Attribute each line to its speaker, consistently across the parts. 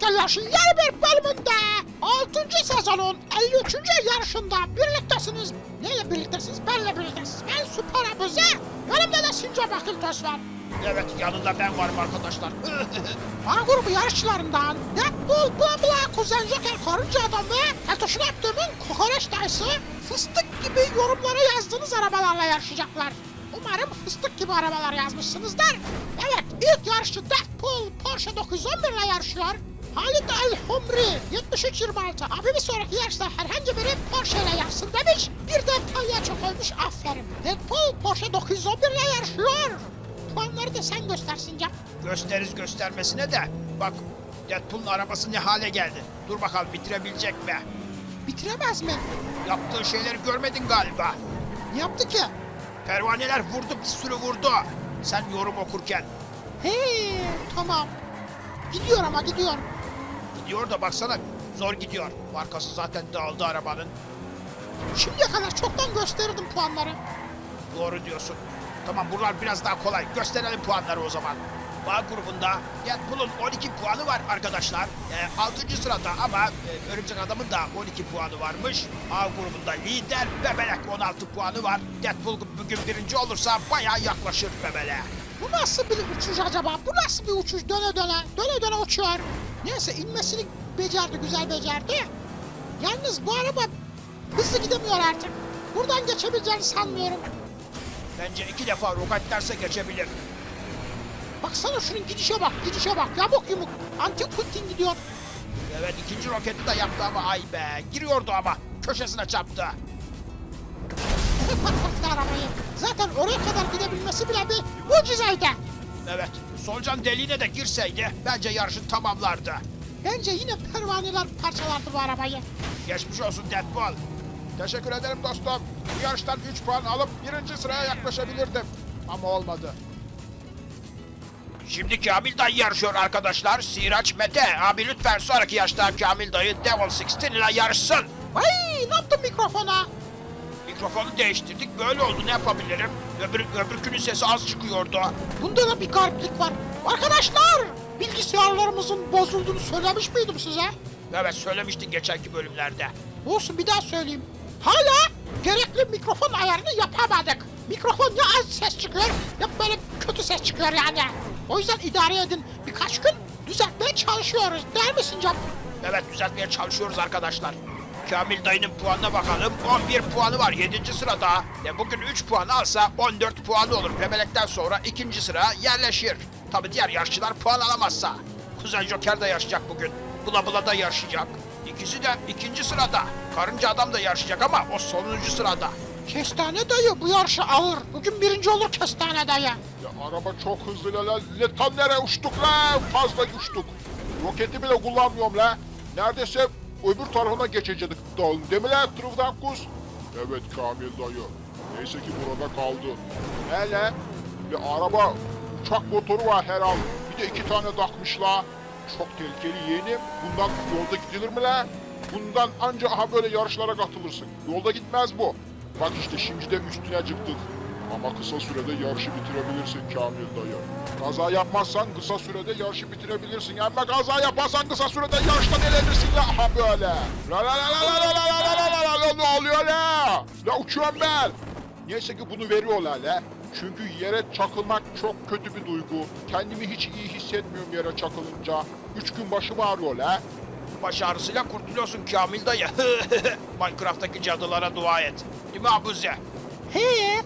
Speaker 1: Motor Yarışı yeni bir bölümünde 6. sezonun 53. yarışında birliktesiniz. Neyle birliktesiniz? Benle birliktesiniz. Ben Süper Abuze. Yanımda da Sincap Akıltöz var.
Speaker 2: Evet, yanında ben varım arkadaşlar.
Speaker 1: A grubu yarışçılarından Deadpool, Bla Bla, Kuzen Joker, Karınca Adam ve Keltoş'un yaptığımın Kokoreç Dayısı fıstık gibi yorumlara yazdığınız arabalarla yarışacaklar. Umarım fıstık gibi arabalar yazmışsınızdır. Evet, ilk yarışçı Deadpool Porsche 911 ile yarışıyor. Halit El Humri 7326 abi bir sonraki yarışta herhangi biri Porsche ile yarışsın demiş. Bir de palyaço koymuş, aferin. Deadpool Porsche 911 ile yarışıyor. Puanları da sen göstersin Cap.
Speaker 2: Gösteririz göstermesine de. Bak, Deadpool'un arabası ne hale geldi. Dur bakalım bitirebilecek mi?
Speaker 1: Bitiremez mi?
Speaker 2: Yaptığı şeyleri görmedin galiba.
Speaker 1: Ne yaptı ki?
Speaker 2: Pervaneler vurdu, bir sürü vurdu. Sen yorum okurken.
Speaker 1: He, tamam. Gidiyor ama gidiyor.
Speaker 2: Gidiyor da baksana, zor gidiyor. Markası zaten dağıldı arabanın.
Speaker 1: Şimdiye kadar çoktan gösterirdim puanları.
Speaker 2: Doğru diyorsun. Tamam, buralar biraz daha kolay. Gösterelim puanları o zaman. A grubunda Deadpool'un 12 puanı var arkadaşlar. 6. sırada ama Örümcek Adam'ın da 12 puanı varmış. A grubunda lider Bebelek 16 puanı var. Deadpool bugün birinci olursa bayağı yaklaşır Bebelek'e.
Speaker 1: Bu nasıl bir uçuş acaba? Bu nasıl bir uçuş? Döne döne uçuyor. Neyse inmesini becerdi, güzel becerdi. Yalnız bu araba hızlı gidemiyor artık. Buradan geçebileceğini sanmıyorum.
Speaker 2: Bence 2 defa roketlerse geçebilir.
Speaker 1: Baksana şunun gidişe bak, gidişe bak. Yamuk yumuk. Antin kuntin gidiyor.
Speaker 2: Evet, ikinci roketi de yaptı ama ay be. Giriyordu ama köşesine çarptı.
Speaker 1: Patlattı arabayı. Zaten oraya kadar gidebilmesi bile bir mucizeydi.
Speaker 2: Evet, solucan deliğine de girseydi bence yarışı tamamlardı.
Speaker 1: Bence yine pervaneler parçalardı bu arabayı.
Speaker 2: Geçmiş olsun Deadpool.
Speaker 3: Teşekkür ederim dostum. Bu yarıştan 3 puan alıp 1. sıraya yaklaşabilirdim. Ama olmadı.
Speaker 2: Şimdi Kamil Dayı yarışıyor arkadaşlar. Siraç Mete. Abi lütfen sonraki yarışta Kamil Dayı Devil 16 ile yarışsın.
Speaker 1: Vay, ne yaptın mikrofona?
Speaker 2: Mikrofonu değiştirdik. Böyle oldu, ne yapabilirim? Öbürkünün sesi az çıkıyordu.
Speaker 1: Bunda da bir gariplik var. Arkadaşlar, bilgisayarlarımızın bozulduğunu söylemiş miydim size?
Speaker 2: Evet, söylemiştin geçenki bölümlerde.
Speaker 1: Olsun, bir daha söyleyeyim. Hala gerekli mikrofon ayarını yapamadık. Mikrofon ya az ses çıkıyor ya böyle kötü ses çıkıyor yani. O yüzden idare edin. Birkaç gün düzeltmeye çalışıyoruz. Değil mi Sincap?
Speaker 2: Evet, düzeltmeye çalışıyoruz arkadaşlar. Kamil Dayı'nın puanına bakalım. 11 puanı var 7. sırada. Bugün 3 puan alsa 14 puanı olur. Bebelekten sonra 2. sıra yerleşir. Tabi diğer yarışçılar puan alamazsa. Kuzen Joker de yarışacak bugün. Bula Bula da yarışacak. İkisi de 2. sırada. Karınca Adam da yarışacak ama o sonuncu sırada.
Speaker 1: Kestane dayı bu yarışı alır. Bugün birinci olur Kestane dayı.
Speaker 3: Ya araba çok hızlı la. Tam nereye uçtuk la? Fazla uçtuk. Roketi bile kullanmıyorum la. Neredeyse öbür tarafına geçecektik dağın. Değil mi la Truvdankus? Evet Kamil dayı. Neyse ki burada kaldı. Hele bir araba uçak motoru var herhalde. Bir de 2 tane takmışlar. Çok tehlikeli yeğenim. Bundan yolda gidilir mi la? Bundan anca aha böyle yarışlara katılırsın. Yolda gitmez bu. Bak işte şimdi de üstüne çıktık. Ama kısa sürede yarışı bitirebilirsin Kamil dayı. Kaza yapmazsan kısa sürede yarışı bitirebilirsin. Ama kaza yaparsan kısa sürede yarıştan elenirsin ya. Aha böyle. La la la la la la la la la la la, ne oluyor la? La uçuyorum ben. Neyse ki bunu veriyorlar la. Çünkü yere çakılmak çok kötü bir duygu. Kendimi hiç iyi hissetmiyorum yere çakılınca. 3 gün başım ağrıyor la.
Speaker 2: Baş ağrısıyla kurtuluyorsun Kamil Dayı. Minecraft'taki cadılara dua et. Değil mi Abuze?
Speaker 1: He.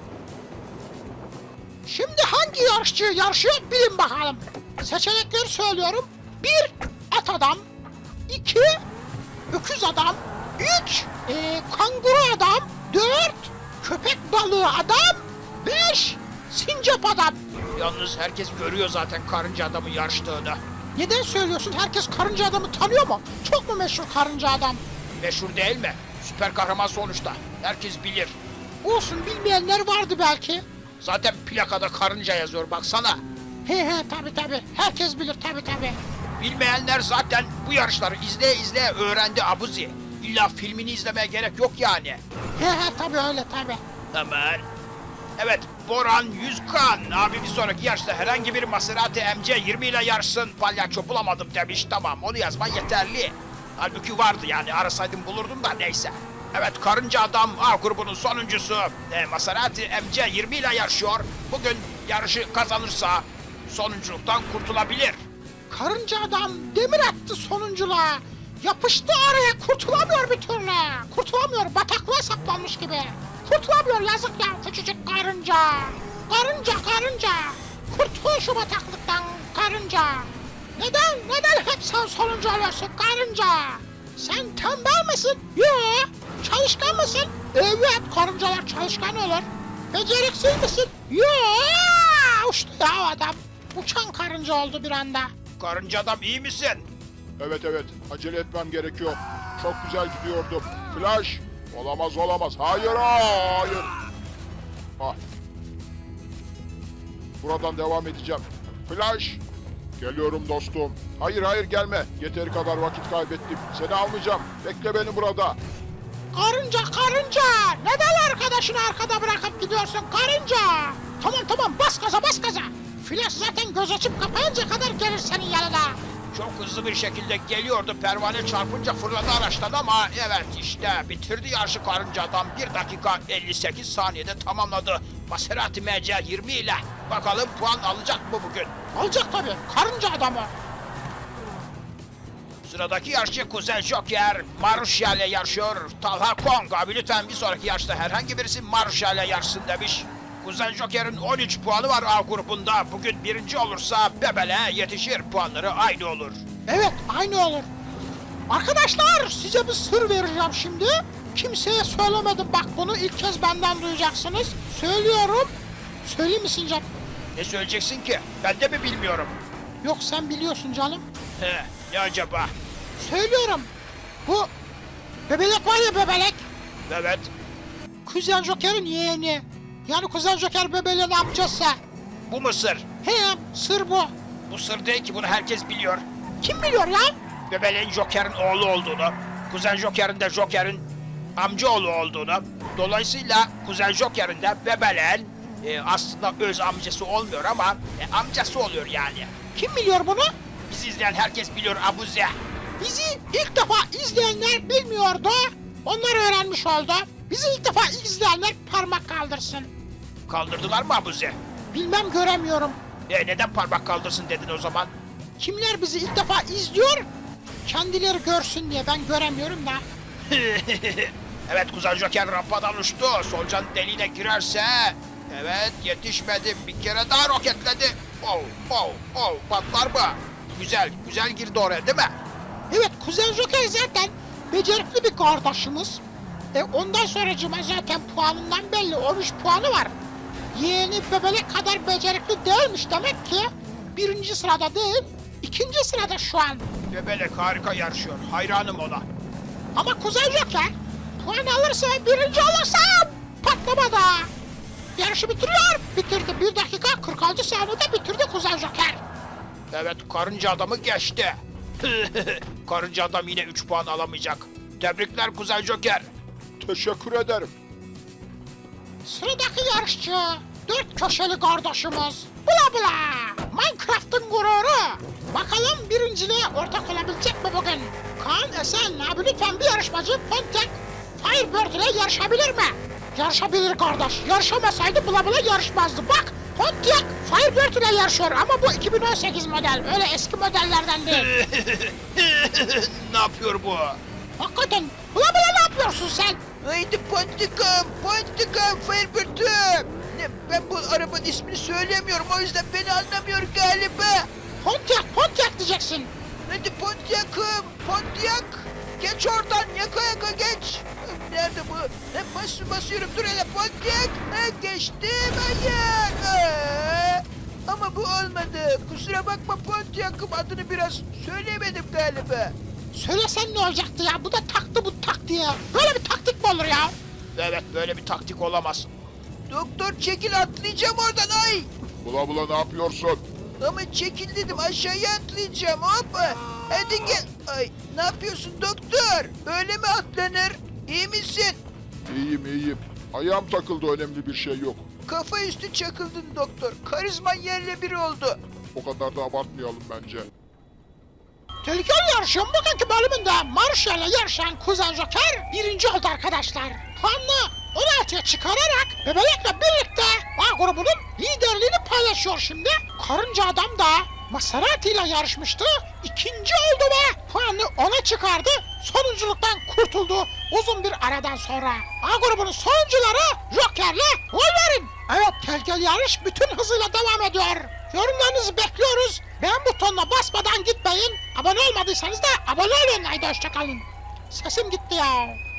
Speaker 1: Şimdi hangi yarışçı yarışıyor bilin bakalım. Seçenekleri söylüyorum. 1. At adam. 2. Öküz adam. 3. Kanguru adam. 4. Köpek balığı adam. 5. Sincap adam.
Speaker 2: Yalnız herkes görüyor zaten Karınca Adam'ın yarıştığını.
Speaker 1: Neden söylüyorsun? Herkes karınca adamı tanıyor mu? Çok mu meşhur karınca adam?
Speaker 2: Meşhur değil mi? Süper kahraman sonuçta. Herkes bilir.
Speaker 1: Olsun, bilmeyenler vardı belki.
Speaker 2: Zaten plakada karınca yazıyor, baksana.
Speaker 1: He tabi. Herkes bilir tabi.
Speaker 2: Bilmeyenler zaten bu yarışları izleye öğrendi Abuzi. İlla filmini izlemeye gerek yok yani.
Speaker 1: He tabi öyle tabi.
Speaker 2: Aman. Evet, Boran Yüzkan abi bir sonraki yarışta herhangi bir Maserati MC20 ile yarışsın. Palyaço bulamadım demiş. Tamam, onu yazman yeterli. Halbuki vardı yani, arasaydım bulurdum da neyse. Evet, Karınca Adam A grubunun sonuncusu Maserati MC20 ile yarışıyor. Bugün yarışı kazanırsa sonunculuktan kurtulabilir.
Speaker 1: Karınca adam demir attı sonunculuğa. Yapıştı araya, kurtulamıyor bir türlü. Kurtulamıyor, bataklığa saplanmış gibi. Kurtulamıyor, yazık ya küçücük karınca. Karınca. Kurtul şu bataklıktan karınca. Neden hep sen sonuncu oluyorsun karınca? Sen tembel misin? Yo. Çalışkan mısın? Evet, karıncalar çalışkan olur. Beceriksiz misin? Yo. Uçtu ya adam. Uçan karınca oldu bir anda.
Speaker 2: Karınca Adam iyi misin?
Speaker 3: Evet, acele etmem gerekiyor. Çok güzel gidiyordum. Flash. Olamaz. Hayır. Ah. Buradan devam edeceğim. Flash. Geliyorum dostum. Hayır gelme. Yeteri kadar vakit kaybettim. Seni almayacağım. Bekle beni burada.
Speaker 1: Karınca! Neden arkadaşını arkada bırakıp gidiyorsun karınca? Tamam, bas gaza. Flash zaten göz açıp kapayınca kadar gelir senin yanına.
Speaker 2: Çok hızlı bir şekilde geliyordu. Pervane çarpınca fırladı araçtan ama evet işte bitirdi yarışı Karınca Adam. 1 dakika 58 saniyede tamamladı. Maserati MC20 ile. Bakalım puan alacak mı bugün?
Speaker 1: Alacak tabii, karınca adamı.
Speaker 2: Sıradaki yarışçı Kuzen Joker Marusha ile yarışıyor. Talha Kong abi lütfen bir sonraki yarışta herhangi birisi Marusha ile yarışsın demiş. Kuzen Joker'in 13 puanı var A grubunda. Bugün birinci olursa Bebel'e yetişir. Puanları aynı olur.
Speaker 1: Evet, aynı olur. Arkadaşlar, size bir sır vereceğim şimdi. Kimseye söylemedim, bak bunu ilk kez benden duyacaksınız. Söylüyorum. Söyleyeyim mi Sincap?
Speaker 2: Ne söyleyeceksin ki? Ben de mi bilmiyorum?
Speaker 1: Yok, sen biliyorsun canım.
Speaker 2: Ne acaba?
Speaker 1: Söylüyorum. Bu bebelek var ya, bebelek.
Speaker 2: Evet.
Speaker 1: Kuzen Joker'in yeğeni. Yani Kuzen Joker bebeleğin amcası.
Speaker 2: Bu mu sır?
Speaker 1: He, sır bu.
Speaker 2: Bu sır değil ki, bunu herkes biliyor.
Speaker 1: Kim biliyor ya?
Speaker 2: Bebeleğin Joker'in oğlu olduğunu, Kuzen Joker'in de Joker'in amcaoğlu olduğunu, dolayısıyla Kuzen Joker'in de Bebeleğin aslında öz amcası olmuyor ama amcası oluyor yani.
Speaker 1: Kim biliyor bunu?
Speaker 2: Bizi izleyen herkes biliyor Abuze.
Speaker 1: Bizi ilk defa izleyenler bilmiyordu. Onlar öğrenmiş oldu. Bizi ilk defa izleyenler parmak kaldırsın.
Speaker 2: Kaldırdılar mı Abuze?
Speaker 1: Bilmem, göremiyorum.
Speaker 2: Neden parmak kaldırsın dedin o zaman?
Speaker 1: Kimler bizi ilk defa izliyor? Kendileri görsün diye, ben göremiyorum da.
Speaker 2: Evet, Kuzen Joker rampadan uçtu. Solucan deliğine girerse... Evet, yetişmedi. Bir kere daha roketledi. Patlar mı? Güzel girdi oraya değil mi?
Speaker 1: Evet, Kuzen Joker zaten becerikli bir kardeşimiz. Ondan sonracıma zaten puanından belli, 13 puanı var. Yeğeni bebelek kadar becerikli değilmiş demek ki. 1. sırada değil, 2. sırada şu an.
Speaker 2: Bebelek harika yarışıyor. Hayranım ona.
Speaker 1: Ama Kuzen Joker puan alırsa ve 1. olursa patlamada. Yarışı bitiriyor. Bitirdi. 1 dakika 46 saniyede bitirdi Kuzen Joker.
Speaker 2: Evet, Karınca Adam'ı geçti. Karınca Adam yine 3 puan alamayacak. Tebrikler Kuzen Joker.
Speaker 3: Teşekkür ederim.
Speaker 1: Sıradaki yarışçı 4 köşeli kardeşimiz. Bula. Minecraft'ın gururu. Bakalım birinciliğe ortak olabilecek mi bugün? Kaan Esen abi, lütfen bir yarışmacı Pontiac Firebird ile yarışabilir mi? Yarışabilir kardeş. Yarışamasaydı Bula yarışmazdı. Bak, Pontiac Firebird ile yarışıyor ama bu 2018 model. Öyle eski modellerden değil.
Speaker 2: Ne yapıyor bu?
Speaker 1: Hakikaten Bula ne yapıyorsun sen?
Speaker 2: Haydi Pontikam, Firebird'üm. Ben bu arabanın ismini söylemiyorum, o yüzden beni anlamıyor galiba.
Speaker 1: Pontiac diyeceksin.
Speaker 2: Hadi Pontiac'ım, Pontiac. Geç oradan, yaka geç. Nerede bu? Basıyorum, dur hele Pontiac. Geçtim, hayır. Ama bu olmadı. Kusura bakma Pontiac'ım, adını biraz söyleyemedim galiba.
Speaker 1: Söylesen ne olacaktı ya? Bu da taktı bu tak diye. Böyle bir taktik mi olur ya?
Speaker 2: Evet, böyle bir taktik olamaz. Doktor çekil, atlayacağım oradan, ay.
Speaker 3: Bula ne yapıyorsun?
Speaker 2: Ama çekil dedim, aşağıya atlayacağım, hop. Hadi gel. Ay, ne yapıyorsun doktor? Öyle mi atlanır? İyi misin?
Speaker 3: İyiyim. Ayağım takıldı, önemli bir şey yok.
Speaker 2: Kafa üstü çakıldın doktor. Karizman yerle bir oldu.
Speaker 3: O kadar da abartmayalım bence.
Speaker 1: Tehlikeli yarışın bugünkü bölümünde Marshall'le yarışan Kuzen Joker birinci oldu arkadaşlar. Puanını 16'ya çıkararak Bebelek'le birlikte A grubunun liderliğini paylaşıyor şimdi. Karınca Adam da Maserati ile yarışmıştı. İkinci oldu ve puanını 10'a çıkardı. Sonunculuktan kurtuldu uzun bir aradan sonra. A grubunun sonuncuları Joker'le Wolverine. Evet, tehlikeli yarış bütün hızıyla devam ediyor. Yorumlarınızı bekliyoruz. Beğen butonuna basmadan gitmeyin. Abone olmadıysanız da abone olun. Haydi hoşçakalın. Sesim gitti ya.